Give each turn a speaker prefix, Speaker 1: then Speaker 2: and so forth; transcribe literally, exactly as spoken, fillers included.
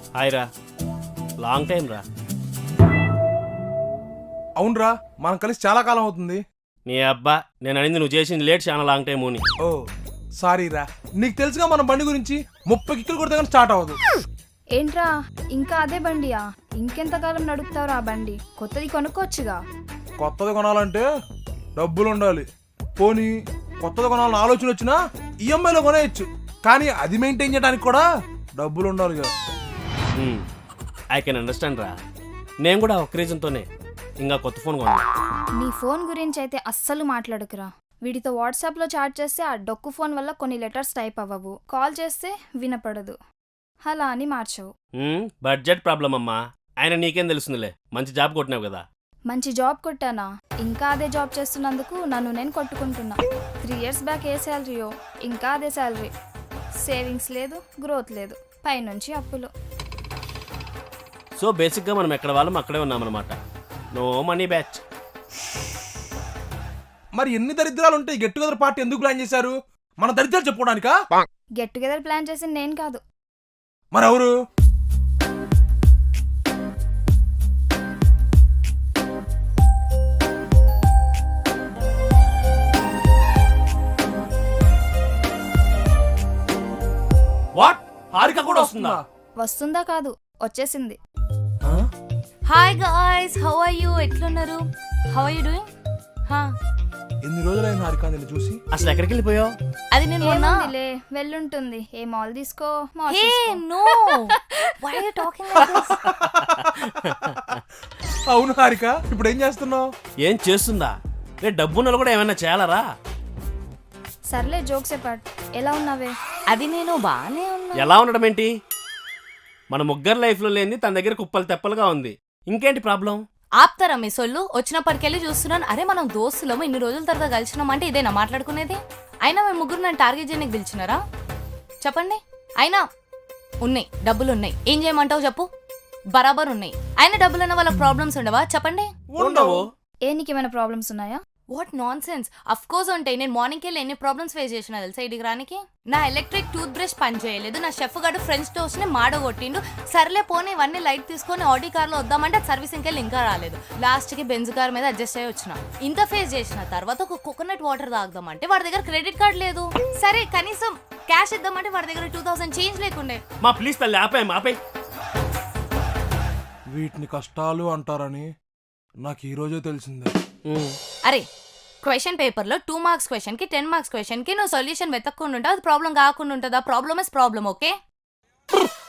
Speaker 1: Hi రా, long time రా.
Speaker 2: అవునరా, మనం కలిసి చాలా కాలం అవుతుంది.
Speaker 1: నీ అబ్బా, నేను అనింది నువ్వు చేసింది లేట్ చాలా లాంగ్ టైం అని.
Speaker 2: ఓ సారీ రా, నీకు తెలుసుగా మన బండి గురించి. ముప్పై కిక్కులు కొడితే కానీ స్టార్ట్ అవ్వదు.
Speaker 3: ఏంట్రా ఇంకా అదే బండియా? ఇంకెంతకాలం నడుపుతావురా ఆ బండి? కొత్తది కొనుక్కోవచ్చుగా.
Speaker 2: కొత్తది కొనాలంటే డబ్బులు ఉండాలి. పోనీ కొత్తది కొనాలని ఆలోచన వచ్చినా ఈఎంఐలో కొనేయచ్చు, కానీ అది మెయింటైన్ చేయడానికి కూడా డబ్బులు ఉండాలి కదా.
Speaker 1: ఐ కెన్ అండర్స్టాండ్ రా. నేను కూడా ఒక రీజన్తోనే ఇంకా కొత్త ఫోన్ కొన్నా.
Speaker 3: నీ ఫోన్ గురించి అయితే అస్సలు మాట్లాడుకురా. వీటితో వాట్సాప్లో చాట్ చేస్తే ఆ డొక్కు ఫోన్ వల్ల కొన్ని లెటర్స్ టైప్ అవ్వవు, కాల్ చేస్తే వినపడదు, అలా అని మార్చవు.
Speaker 1: బడ్జెట్ ప్రాబ్లం అమ్మా. ఆయన నీకేం తెలుస్తుందిలే, మంచి జాబ్ కొట్టినావు కదా.
Speaker 3: మంచి జాబ్ కొట్టానా? ఇంకా అదే జాబ్ చేస్తున్నందుకు నన్ను నేను కొట్టుకుంటున్నా. త్రీ ఇయర్స్ బ్యాక్ ఏ శాలరీయో ఇంకా అదే శాలరీ. సేవింగ్స్ లేదు, గ్రోత్ లేదు, పైనుంచి అప్పులు.
Speaker 1: సో బేసిక్గా మనం ఎక్కడ వాళ్ళం అక్కడే ఉన్నామన్నమాట. No money batch.
Speaker 2: మరి ఎన్ని దరిద్రాలు ఉంటాయి, గెట్ టుగెదర్ పార్టీ ఎందుకు ప్లాన్ చేశారు? మన దరిద్రాలు చెప్పుకోవడానికా?
Speaker 3: గెట్ టుగెదర్ ప్లాన్ చేసింది నేను కాదు.
Speaker 2: మరి ఎవరు?
Speaker 1: వాట్? హారిక కూడా వస్తుందా?
Speaker 3: వస్తుందా కాదు, వచ్చేసింది.
Speaker 4: Hi guys, how are you? ఎట్లున్నారు? How are you doing? హా,
Speaker 2: ఎన్ని రోజులైన హారిక నిన్ను చూసి?
Speaker 1: అసలు ఎక్కడికి వెళ్ళిపోయావు?
Speaker 4: అది నేను మొన్న
Speaker 3: ఏముందిలే, వెళ్ళుంటుంది. ఏ మాల్ తీసుకో, మాల్
Speaker 4: హే
Speaker 3: తీసుకో.
Speaker 4: No, why are you talking like this?
Speaker 2: అవును హారిక, ఇప్పుడు ఏం చేస్తున్నావు?
Speaker 1: ఏం చేస్తుందా? రే డబ్బున్నలు కూడా ఏమైనా చేయాలరా?
Speaker 3: సర్లే జోక్సే పాట్. ఎలా ఉన్నావే?
Speaker 4: అది నేను బానే ఉన్నా.
Speaker 1: ఎలా ఉండడం ఏంటి? మన ముగ్గురు లైఫ్లో లేనిది తన దగ్గర కుప్పలు తెప్పలుగా ఉంది. ఇంకేంటి ప్రాబ్లం?
Speaker 4: ఆప్తారా మీ సొల్లు? వచ్చినప్పటికెళ్ళి చూస్తున్నాను, అరే మనం దోస్తులము ఇన్ని రోజుల తర్వాత కలిసినాం అంటే ఇదేనా మాట్లాడుకునేది? అయినా మేము ముగ్గురు నన్ను టార్గెట్ చేయడానికి పిలిచినారా? చెప్పండి. అయినా ఉన్నాయి, డబ్బులు ఉన్నాయి, ఏం చేయమంటావు చెప్పు? బరాబర్ ఉన్నాయి. అయినా డబ్బులు ఉన్న వాళ్ళకి ప్రాబ్లమ్స్ ఉండవా చెప్పండి?
Speaker 1: ఉండవు.
Speaker 3: ఏ నీకేమైనా ప్రాబ్లమ్స్ ఉన్నాయా?
Speaker 4: What nonsense. Of course ఉంటాయి. నేను మార్నింగ్కి వెళ్ళి ఎన్ని ప్రాబ్లమ్స్ ఫేస్ చేసిన తెలుసా ఇడికి రానికి? నా ఎలక్ట్రిక్ టూత్ బ్రష్ పని చేయలేదు, నా షెఫ్ గారు ఫ్రెంచ్ టోస్ట్ ని మాడగొట్టిండు. సర్లే పోనీ ఇవన్నీ లైట్ తీసుకొని ఆడి కార్ లో వద్దామంటే సర్వీసింగ్ వెళ్ళి ఇంకా రాలేదు. లాస్ట్ కి బెంజ్ కార్ మీద అడ్జస్ట్ అయ్యి వచ్చిన. ఇంత ఫేస్ చేసిన తర్వాత ఒక కోకోనట్ వాటర్ తాగుదామంటే వాడి దగ్గర క్రెడిట్ కార్డ్ లేదు. సరే కనీసం క్యాష్ ఇద్దామంటే వాడి దగ్గర టూ థౌసండ్ చేంజ్ లేకుండే.
Speaker 1: మా ప్లీజ్ తల్లి ఆపాయి ఆపే.
Speaker 2: వీటిని కష్టాలు అంటారని నాకు ఈ రోజే తెలిసిందే.
Speaker 4: అరే క్వశ్చన్ పేపర్ లో టూ మార్క్స్ క్వశ్చన్ కి టెన్ మార్క్స్ క్వశ్చన్ కి నువ్వు సొల్యూషన్ వెతక్కుండా ఉంటావు, అది ప్రాబ్లం కాకుండా ఉంటుందా? Problem is problem, okay?